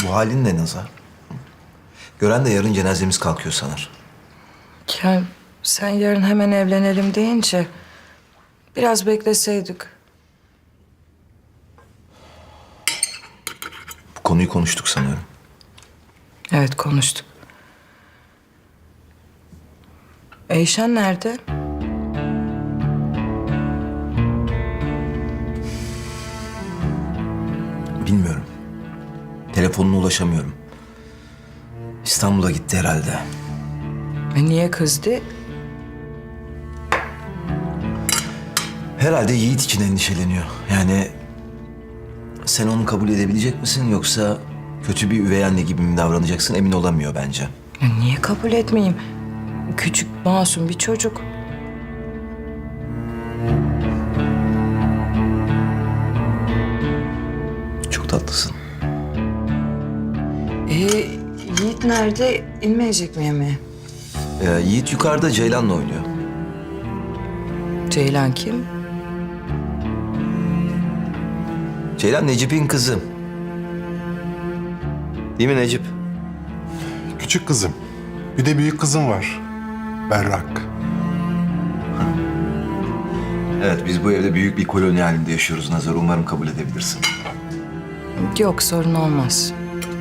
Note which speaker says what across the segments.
Speaker 1: Bu halin ne Nazar? Gören de yarın cenazemiz kalkıyor sanır.
Speaker 2: Ya sen yarın hemen evlenelim deyince biraz bekleseydik.
Speaker 1: Bu konuyu konuştuk sanıyorum.
Speaker 2: Evet konuştuk. Eyşan nerede?
Speaker 1: Bilmiyorum. Telefonuna ulaşamıyorum. İstanbul'a gitti herhalde.
Speaker 2: Niye kızdı?
Speaker 1: Herhalde Yiğit için endişeleniyor. Yani sen onu kabul edebilecek misin yoksa kötü bir üvey anne gibi mi davranacaksın emin olamıyor bence.
Speaker 2: Niye kabul etmeyeyim? Küçük, masum bir çocuk.
Speaker 1: Çok tatlısın.
Speaker 2: Yiğit nerede? İnmeyecek mi yemeğe?
Speaker 1: Yiğit yukarıda Ceylan'la oynuyor.
Speaker 2: Ceylan kim?
Speaker 1: Ceylan Necip'in kızı. Değil mi Necip?
Speaker 3: Küçük kızım. Bir de büyük kızım var. Berrak.
Speaker 1: Evet, biz bu evde büyük bir koloni halinde yaşıyoruz Nazar. Umarım kabul edebilirsin.
Speaker 2: Yok sorun olmaz.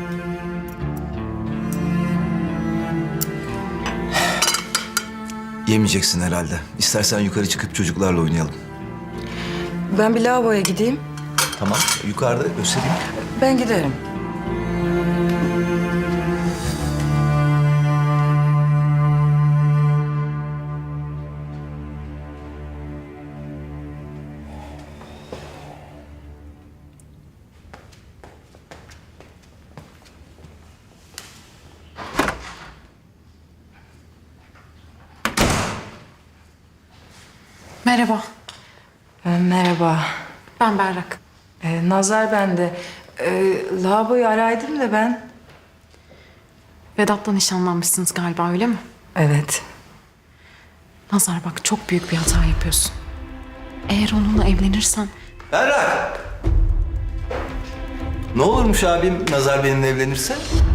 Speaker 1: Yemeyeceksin herhalde. İstersen yukarı çıkıp çocuklarla oynayalım.
Speaker 2: Ben bir lavaboya gideyim.
Speaker 1: Tamam, yukarıda göstereyim.
Speaker 2: Ben giderim.
Speaker 4: Merhaba,
Speaker 2: Merhaba.
Speaker 4: ben Berrak.
Speaker 2: Nazar bende. Lavaboyu araydım da ben.
Speaker 4: Vedat'la nişanlanmışsınız galiba, öyle mi?
Speaker 2: Evet.
Speaker 4: Nazar bak, çok büyük bir hata yapıyorsun. Eğer onunla evlenirsen
Speaker 1: Berrak! Ne olurmuş abim Nazar benimle evlenirse?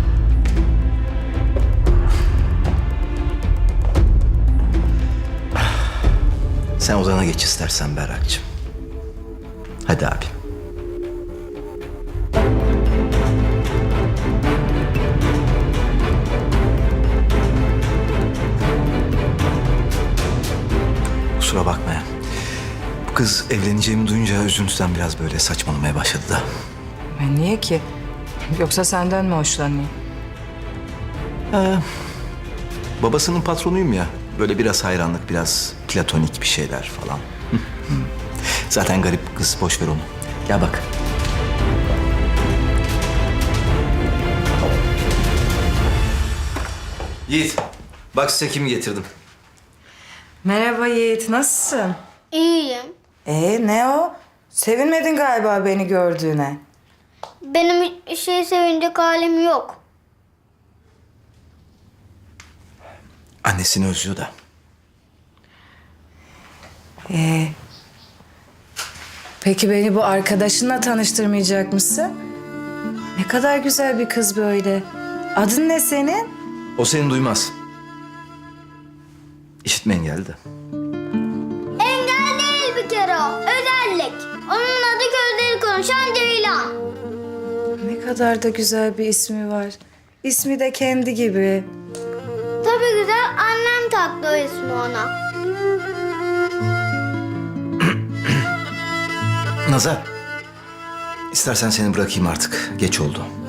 Speaker 1: Sen odana geç istersen Berrak'cığım. Hadi abim. Kusura bakma ya. Bu kız evleneceğimi duyunca üzüntüden biraz böyle saçmalamaya başladı da.
Speaker 2: Niye ki? Yoksa senden mi hoşlanayım?
Speaker 1: Babasının patronuyum ya. Böyle biraz hayranlık, biraz platonik bir şeyler falan. Zaten garip kız, boş ver onu. Gel bak. Yiğit, bak size kimi getirdim.
Speaker 2: Merhaba Yiğit, nasılsın?
Speaker 5: İyiyim.
Speaker 2: Ne o? Sevinmedin galiba beni gördüğüne.
Speaker 5: Benim sevinecek halim yok.
Speaker 1: Annesini özlüyor da.
Speaker 2: Peki beni bu arkadaşınla tanıştırmayacak mısın? Ne kadar güzel bir kız böyle. Adın ne senin?
Speaker 1: O seni duymaz. İşitme engelli de.
Speaker 5: Engel değil bir kere o. Özellik. Onun adı gözleri konuşan Ceylan.
Speaker 2: Ne kadar da güzel bir ismi var. İsmi de kendi gibi.
Speaker 5: Tabii güzel, annem taktı o ismi ona.
Speaker 1: Nazar, istersen seni bırakayım artık. Geç oldu.